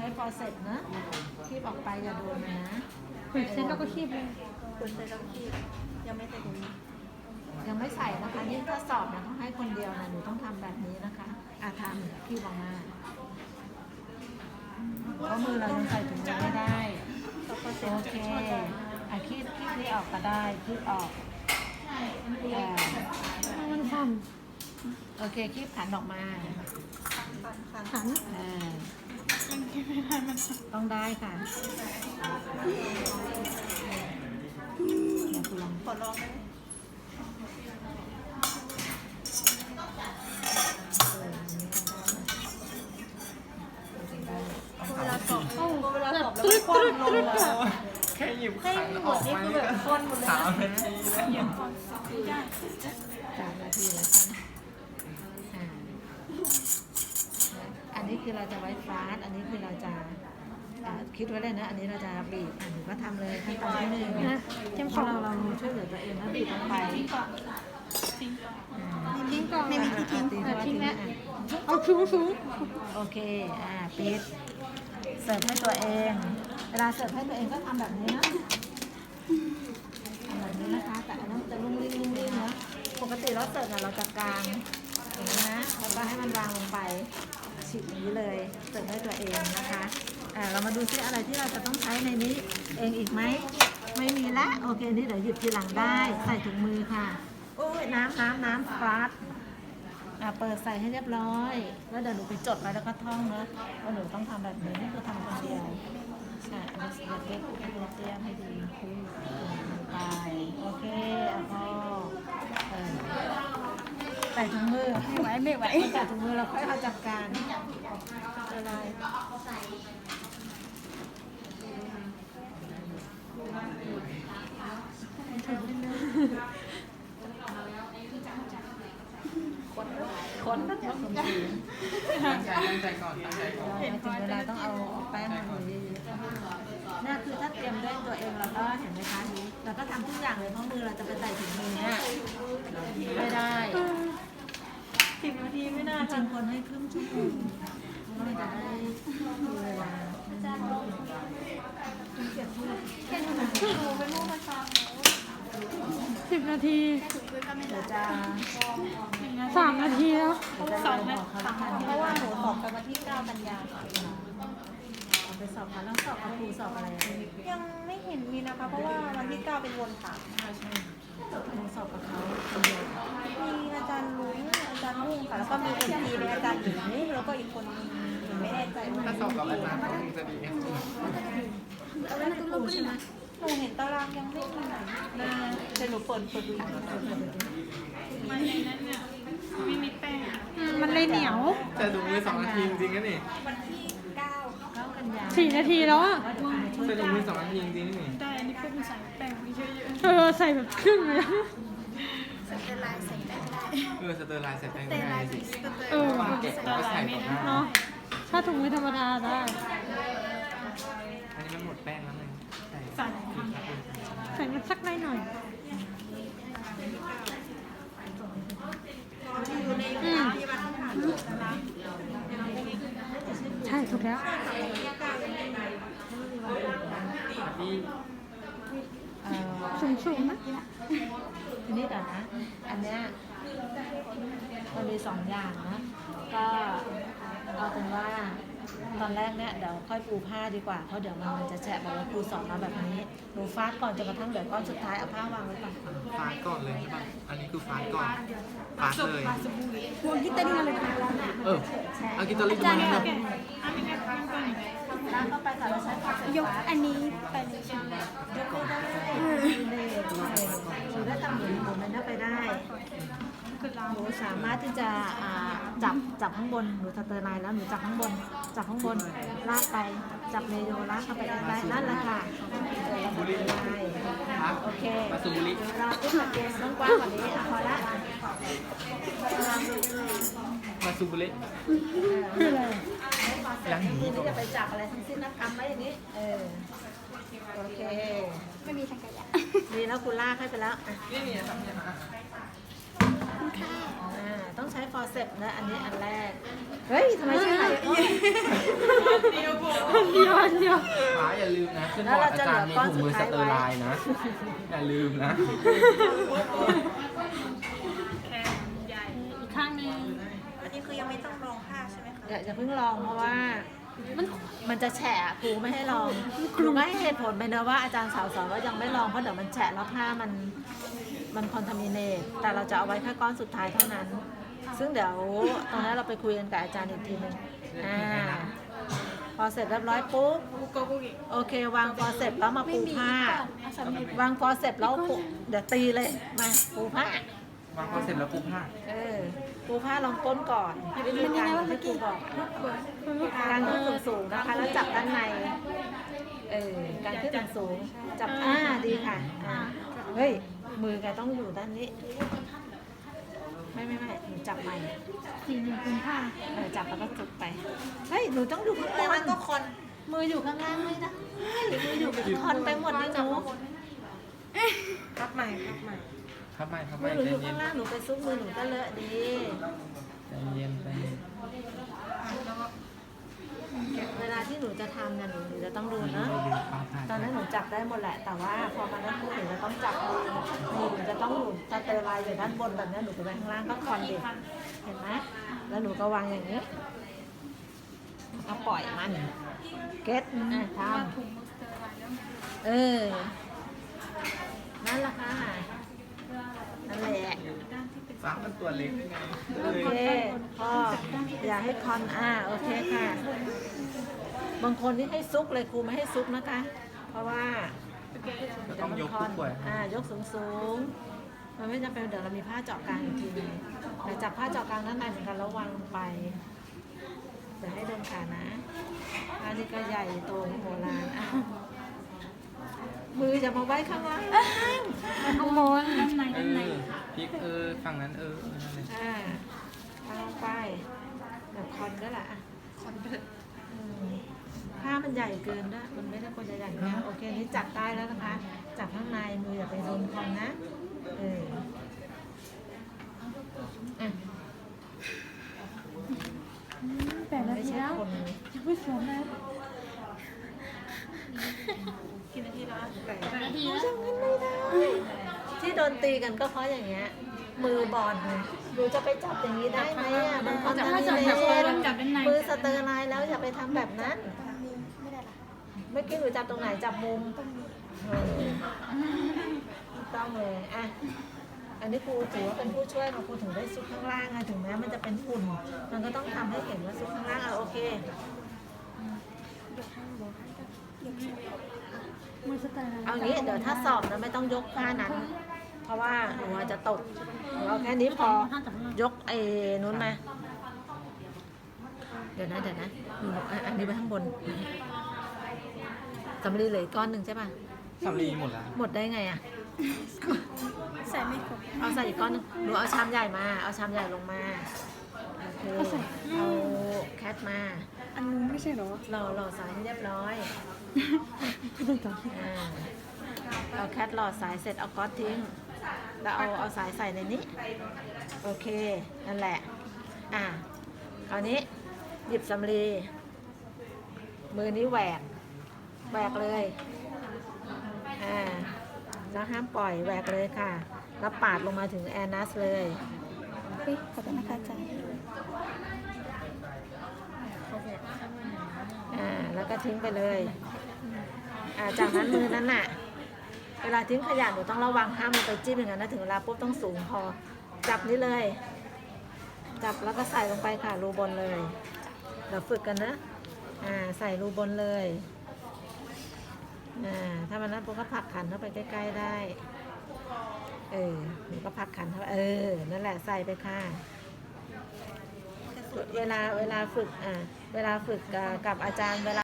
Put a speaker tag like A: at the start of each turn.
A: ช้ฟอร์เซปนะคีบออกไปอย่าโดนนะ
B: เปิดเซ็ตแล้วก็คีบเลย
C: คนใส่แล้วที่ยังไม่ใส่ถุงมือ
A: ยังไม่ใส่นะคะนี่ถ้าสอบนะต้องให้คนเดียวนะหนูต้องทำแบบนี้นะคะทำคีบออกมาเพราะมือเรายังใส่ถุงมือไม่ได้โอเคคีบที่ออกก็ได้คีบออก
B: มันสั่น
A: โอเคคีบขันออกมา
B: ขัน
A: ต้องได้ค่ะเดี๋ยวคุณลอง
C: ขอลองไหมเวลาสอบเวลาสอบแล้วคว่ำลงมา
D: แค่หยิบขันออกมานี่ก็3 นาทีแล้ว
A: 3 นาทีแล้วใช่ไหมอันนี้คือเราจะไว้ฟาสอันนี้คือเราจะคิดไว้เลยนะอันนี้เราจะบีบหนูก็ทำเลยขั้นตอนที่หนึ่งนะเพราะเราช่วยเหลือตัวเองนะบีบลงไป
B: ทิ้งก่อน
C: ไม่มีที่ทิ้ง
B: ทิ้งแล้วเอาสูง
A: โอเคปิดเสิร์ฟให้ตัวเองเวลาเสิร์ฟให้ตัวเองก็ทำแบบนี้นะทำแบบนี้นะคะแต่อันนั้นจะลุ่มลิ่งนะปกติเราเสิร์ฟเราจะกางอย่างนี้นะแล้วก็ให้มันวางลงไปฉีกอย่างนี้เลยเสิร์ฟให้ตัวเองนะคะเรามาดูซิอะไรที่เราจะต้องใช้ในนี้เองอีกไหมไม่มีละโอเคนี่เดี๋ยวหยิบทีหลังได้ใส่ถุงมือค่ะโอ้ยน้ำฟาสเปิดใส่ให้เรียบร้อยแล้วเดี๋ยวหนูไปจดไว้แล้วก็ท่องนะว่าหนูต้องทำแบบนี้นี่คือทำคนเดียวใช่อันนี้เล็กๆให้เตี้ยให้ดีไปโอเคพอใส่ถุงมือ
B: ๆไม่ไหวไม่ไหว
A: ใส่ถุงมือเราค่อยเอาจัดการอะไร คนตั้งแต่สมศรี
D: ตั้งใจก่อนตั้งใจก่อน
A: ถึงเวลาต้องเอาแป้งมาเลยน่าคือถ้าเตรียมด้วยตัวเองเราก็เห็นไหมคะเราก็ทำทุกอย่างเลยเพราะมือเราจะไปใส่ถุงมือเนี่ยไม่ได้
C: 10 นาทีไม่น่า
A: จริงคนให้ครึ่งชั่วโมงเราจะได้มีเวลา
B: 10 นาที
A: เดี๋ยวจะ
B: 3 นาทีแล้ว
C: เพราะว่าหนูสอบไปวันที่ 9 กันยา
A: เอาไปสอบค่ะแล้วสอบกับครูสอบอะไร
C: ยังไม่เห็นมีนะคะ เพราะว่าวันที่ 9 เป็นวนถาม
A: ครูสอบกับเขาคนเดียว
C: มีอาจารย์ลุงอาจารย์มุ่งค่ะ แล้วก็มีเอ็นทีเป็นอาจารย์หญิงแล้วก็อีกคนนึงไม่แน่ใจว่า
D: ถ้าสอบกับอาจารย์ก็คงจะดี
A: แล้วนั่นคือครูใช่ไหม
C: หนูเห็นตารางยังไม่มีไหนแต่หนูเปิดดู
B: มันเลยเหนียว
D: แต่ถุงมือ2 นาทีจริงๆนะนี่
C: วันที่ 9
A: กันยา
B: 4 นาทีแล้วอ่ะ
D: แต่ถุงมือ2 นาทีจริงๆนี่
B: ได้อันนี้พวกมันใส่แป้งไปเยอะๆใส่แบบครึ่งเลย
D: สเตอร์ไลน์ใส่แป้งไม่ได้สิ
B: วาง
D: เก็บก็ใส่ต่อหน้า
B: เนาะถ้าถุงมือธรรมดาได้
D: อันนี้มันหมดแป้งแล้วไงใส่
B: ใส่มันสักได้หน่อยใช่ถูกแล้ว
D: ที่
B: สูงๆนะ
A: ทีนี้เดี๋ยวนะ อันเนี้ยมันมี2 อย่างนะ ก็เอาเป็นว่าตอนแรกเนี่ยเดี๋ยวค่อยปูผ้าดีกว่า เพราะเดี๋ยวมันจะแฉะบอกว่าครูสอนมาแบบนี้หนูฟาดก่อนจนกระทั่งเดี๋ยวก้อนสุดท้ายเอาผ้าวางไว้ก่อน
D: ฟาดก่อนเลยใช่ป่ะอันนี้คือฟาดก่อนฟาดเลย
B: วงที่เต้นมาเลยค่ะ
D: เอากิตอริมาแล้ว
A: ล้างเข้าไปค่ะแล้วใช้ผ้าเสร็จ
B: ยกอันนี้ไปเลยใช่ไหม
A: ยกไม่ได้หนูได้ทำเหมือนหนูนั้นไปได้หนูสามารถที่จะจับข้างบนหนูสเตอร์ไลน์แล้วหนูจับข้างบนลากไปจับเมโยลากเข้าไปได้นั่นแหละค่ะโอเค
D: มาสูบุริ
A: เราขึ้นมาเกสต้องกว้างกว่านี้พอละ
D: มาสูบุริ
B: คืออะไร
A: อย่างนี้นี่จะไปจับอะไรทั้งสิ้นนะทำไว้อย่างนี้โอเค
B: ไม่มีทางกายะ
A: ดีแล้วคุณลากให้ไปแล้ว
D: นี่ทำยังไง
A: ต้องใช้ฟอร์เซปนะอันนี้อันแรกเฮ้ยทำไมใช่ไหม
E: ลืมนะขึ้นบอร์ดอาจารย์มีถุงมือสเตอร์ไลน์นะอย่าลืมนะ
B: แขนใหญ่อีกข้างหนึง
C: อันนี้คือยังไม่ต้องลองผ้าใช่ไหมคะ
A: อย่าเพิ่งลองเพราะว่ามันจะแฉะครูไม่ให้ลองครูก็ให้เหตุผลไปนะว่าอาจารย์สาวสอนว่ายังไม่ลองเพราะเดี๋ยวมันแฉะแล้วผ้ามันคอนทามิเนตแต่เราจะเอาไว้แค่ก้อนสุดท้ายเท่านั้น ซึ่งเดี๋ยวตรงนั้นเราไปคุยกันกับอาจารย์อีกทีหนึงพอเสร็จเรียบร้อยปุ๊บ
B: บุกโกบุกิ
A: โอเควางฟอเสร็จแล้วมาปูผ้า วางฟอเสร็จแล้วปูเดี๋ยวตีเลยมาปูผ้าว
E: างพอเสร็จแล้วปูผ้า
A: ปูผ้าลองก้นก่อนให้วิธีการที่ครูบอกการขึ้นสูงๆนะคะ แล้วจับด้านในการขึ้นสูงๆจับดีค่ะเฮ้ยมือแกต้องอยู่ด้านนี้ไม่หนูจับใหม่
B: สีหนึ่งเป็นผ้า
A: จับแล้วก็จุดไปเฮ้ยหนูต้องอยู่ข้าง
C: แต่
A: ล่า
C: มัน
A: ง
C: ก็คน
A: มืออยู่ข้างล่างไม่ได้มืออยู่คอนไปหมดเลยหนู
C: พับใหม่พับใหม่
E: ครับไม่ครับ
A: มื
E: ไม่
A: อหนู
E: ใจ
A: อยู่
E: เย็
A: ข้าน งล่างหนูไปซุกมือหนูก็เลอะดี
E: ใจเย็นใจเย็น
A: เวลาที่หนูจะทำเนี่ยหนูจะต้องดูนะ
E: ไม่ลืมฟ้าผ่า
A: ตอนนั้นหนูจับได้หมดแหละ แต่ว่าพอมานั่นหนูจะต้องจับมือหนูจะต้องหนูสเตอร์ไลน์อยู่ด้านบนแบบนี้หนูไปไว้ข้างล่างก็คอนเด็กเห็นไหมแล้วหนูก็วางอย่างนี้ก็ปล่อยมันเก็ตท
B: ถุงมือสเตอร์ไลน์แล้ว
A: ำนั่นแหละค่ะนั่นแหละ
E: ฟ้ามันตัวเล็กไง
A: โอเคพ่ออย่าให้คอนโอเคค่ะ บางคนที่ให้ซุกเลยครูไม่ให้ซุกนะคะ เพราะว่า
E: จะต้องยกผู้ป่วย
A: ยกสูงๆมันไม่จำเป็นเดี๋ยวเรามีผ้าเจาะกลางอีกทีนึงแต่จับผ้าเจาะกลางด้านในเหมือนกันแล้ววางลงไปเดี๋ยวให้โดนขานะผ้านี่ก็ใหญ่โตโหฬารมืออย่ามาไว้ข้างล่าง
B: ข้างบนด้านใน
E: เอ
B: ด้านใน
E: อพลิกฝั่งนั้นนั่นเลย
A: วางลงไปแบบคอนก็แหละคอนผ้ามันใหญ่เกินด้วยมันไม่ได้ควรจะใหญ่มากโอเคนี่จับได้แล้วนะคะ จับข้างในมืออย่าไปโดนคอนนะ
B: แต่ละ
A: ไม่
B: ที
A: ใช่
B: แล้ว
A: คน
B: ยังไม่สวมเลย
C: กี่นาทีแล้ว
B: แต่ละที
A: อ
B: แล้ว
A: ย่างนั้นไม่ได้ที่โดนตีกันก็เพราะอย่างเงี้ยมือบอลหนูจะไปจับอย่างนี้ได้ไหมมันคอนทามิเนตมือสเตอร์ไลน์แล้วอย่าไปทำแบบนั้น
C: ไม่ได้ละ
A: เมื่อกี้หนูจับตรงไหนจับมุมถูกต้องเลยอันนี้ครูถือว่าเป็นผู้ช่วยมาครูถึงได้ซุกข้างล่างถึงแม้มันจะเป็นฝุ่นมันก็ต้องทำให้เห็นว่าซุกข้างล่างโอเค
B: มือสเตอร์ไลน์
A: เอางี้เดี๋ยวถ้าสอบนะไม่ต้องยกผ้านั้น เพราะว่าหนูอาจจะตกหนูเอาแค่นี้พอยกนู้นมาเดี๋ยวนะหนูอันนี้ไปข้างบนสำลีเหลยก้อนหนึ่งใช่ป่ะ
E: สำลีหมดแล้ว
A: หมดได้ไง
C: ใส่ไม่ครบ
A: เอาใส่อีกก้อนหนึงหนูเอาชามใหญ่มาเอาชามใหญ่ลงมาโอเคเอาแคทมา
B: อันนู้นไม่ใช่เหรอ
A: หล่อสายให้เรียบร้อยเอาแคทหล่อสายเสร็จเอาก๊อตทิ้งแล้วเอาสายใส่ในนี้โอเคนั่นแหละคราวนี้หยิบสำลีมือนี้แหวกเลยแล้วห้ามปล่อยแหวกเลยค่ะแล้วปาดลงมาถึงแอนัสเลย
C: ขอบคุณนะคะอาจารย์
A: แล้วก็ทิ้งไปเลยจากนั้นมือนั้นน่ะเวลาทิ้งขยะหนูต้องระวังห้ามมันไปจิ้มอย่างนั้นนะถึงเวลาปุ๊บต้องสูงพอจับนี้เลย จับแล้วก็ใส่ลงไปค่ะรูบนเลยเดี๋ยวฝึกกันนะใส่รูบนเลยถ้ามันนั้นปุ๊บก็ผลักขันเข้าไปใกล้ๆได้หนูก็ผลักขันเข้าไปนั่นแหละใส่ไปค่ะเวลาฝึกกับอาจารย์เวลา